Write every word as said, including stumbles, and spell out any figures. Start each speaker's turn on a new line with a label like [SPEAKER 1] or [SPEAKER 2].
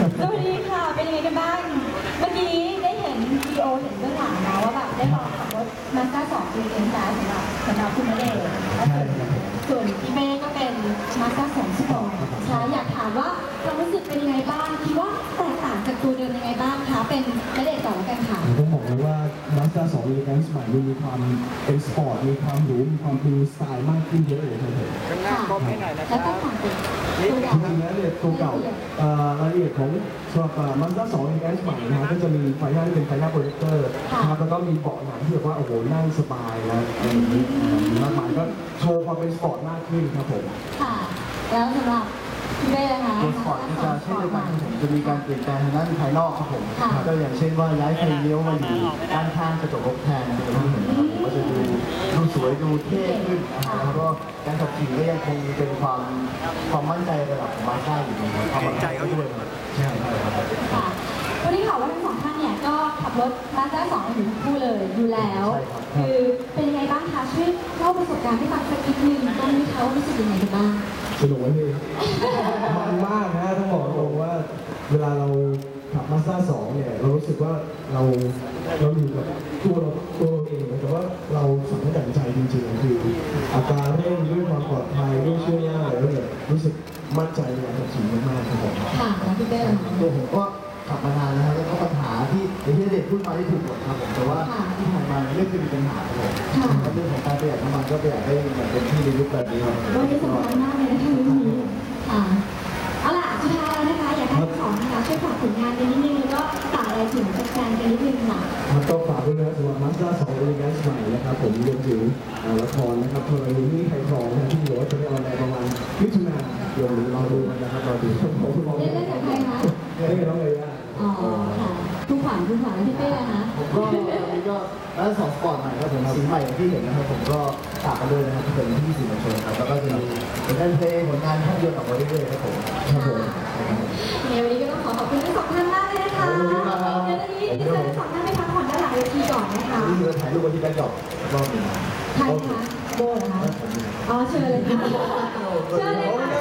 [SPEAKER 1] สวัสดีค่ะเป็นยังไงกันบ้างเมื่อกี้ได้เห็นวิดีโอเห็นเบื้องหลังนะว่าแบบได้ลองขับรถมาสด้าสองปีเอ็นจ้าสำหรับสำหรับคุณณเดชน์ส่วนพี่เมย์ก็เป็นมาสด้าสองสปอร์ตใช่อยากถามว่าความรู้สึกเป็นยังไงบ้างคิดว่าแตกต่างจากตัวเดิมยังไงบ้างคะเป็นณเดชน์ก่อนแล้วกันค่ะ
[SPEAKER 2] ต้องบอกเลยว่า Mazda สอง Elegance ใหม่มีความเป็นสปอร์ตมีความหรูมีความดูสไตล์มากขึ้นเยอะเลยครับผม
[SPEAKER 1] ค่ะแล้วก็ต่างจากตัวเก่า
[SPEAKER 2] จริงๆแล้วเนี่ยตัวเก่ารายละเอียดของสำหรับ Mazda สอง Elegance ใหม่นะฮะก็จะมีไฟหน้าที่เป็นไฟหน้าโปรเจคเตอร์นะครับแล้วก็มีเบาะหนังที่แบบว่าโอ้โหนั่งสบายนะอะไรอย่างนี้มากมายก็โชว์ความเป็นสปอร์ตมากขึ้นครับผม
[SPEAKER 1] ค่ะแล้วสำหรับพี่เบ้นะคะ
[SPEAKER 3] ตัวสปอร์ตจะเช่นเดียวกันจะมีการเปลี่ยนแปลงทางด้านภายนอกครับผมก็อย่างเช่นว่าย้ายไฟเลี้ยวมาอยู่ด้านข้างกระจกรถแทนที่เราเห็นนะครับผมก็จะดูดูสวยดูเท่ขึ้นนะครับแล้วก็การขับขี่ก็ยังคงเป็นความความมั่นใจระดับของมาสด้าอยู่นะครับความมั่นใจเขาด้วยใช่ครับ
[SPEAKER 1] ค่ะวันนี้ข่าวว่าทั้งสองท่านเนี่ยก็ขับรถมาสด้าสองอยู่ทั้งคู่เลยอยู่แล้วคือเป็นยังไงบ้างคะช่วยเล่าประสบการณ์ให้ฟังสักนิดนึงตรงนี้เขารู้สึกยังไงกันบ้าง
[SPEAKER 2] สนุกไหมพี่มันมากนะต้องบอกตรงว่าเวลาเราขับมาสด้าสองเนี่ยเรารู้สึกว่าเราเราอยู่กับตัวเราตัวเราเองแต่ว่าเราสั่งให้ตัดใจจริงๆคืออัตราเร่งด้วยความปลอดภัยด้วยช่วยยากแล้วเนี่ยรู้สึกมั่นใจในการขับขี่มากๆครับผม
[SPEAKER 1] ค่ะแล้วพี่เต้
[SPEAKER 3] ตัวผมก็ขับมานานแล้วแล้วก็ปัญหาที่อย่างที่เด็กพูดมาที่ถูกหมดครับผมแต่ว่าที่ผ่านมาไม่เคยมีปัญหาครับผมเรื่องของการประหยัดน้ำมันก็ประหยัดได้อย่างเต็มที่ในยุคแบบนี้ครับ
[SPEAKER 1] วันนี้สำคัญมากเลยนะคะวันนี้ค่ะเอาล่ะสุดท้ายแล้วนะคะอยากให้ทั้งสองนะคะช่วยฝากผลงานกันนิดนึงแล้วก็ฝากอะไรถึงแฟนๆกันนิดนึงค่ะ
[SPEAKER 2] ครับก็ฝากด้วยนะครับสำหรับ Mazda สอง Elegance ใหม่นะครับผมรวมถึงละครนะครับทรณีนี่ไทยทองนะที่เหลือจะได้ออนแอร์ประมาณมิถุนายนนี้รอดูกันนะครับรอดูขอบคุณมาก
[SPEAKER 1] เล่นเล่นกับใครคะ
[SPEAKER 2] เล่นกับน้องเลยอ่ะ
[SPEAKER 1] อ๋อค่ะทุกฝันทุกฝันที่เป้นะคะ
[SPEAKER 3] ผมก็วันนี้ก็ร้านสองสปอร์ตใหม่ครับผมสีใหม่ที่เห็นนะครับผมก็ฝากกันด้วยนะครับที่เป็นที่สื่อมวลชนครับแล้วก็จะมีผลงานเพลงผลงานภาพยนตร์ออกมาเรื่อยๆครับผม
[SPEAKER 2] ครับผม
[SPEAKER 1] ในวันนี้ก็ต้องขอขอบคุณทั้งสองท่านมากเลยนะคะเดี๋ยววันนี้ดิฉันทั้งสองท่านไปพักผ่อนด้านหลังเวทีก่อนนะคะ
[SPEAKER 3] นี่เราถ่ายรูปกันที่แบงก์ดอกรอบหนึ่ง
[SPEAKER 1] ใครคะโบเหรอคะอ๋อเชิญเลยค่ะเชิญเลยค่ะ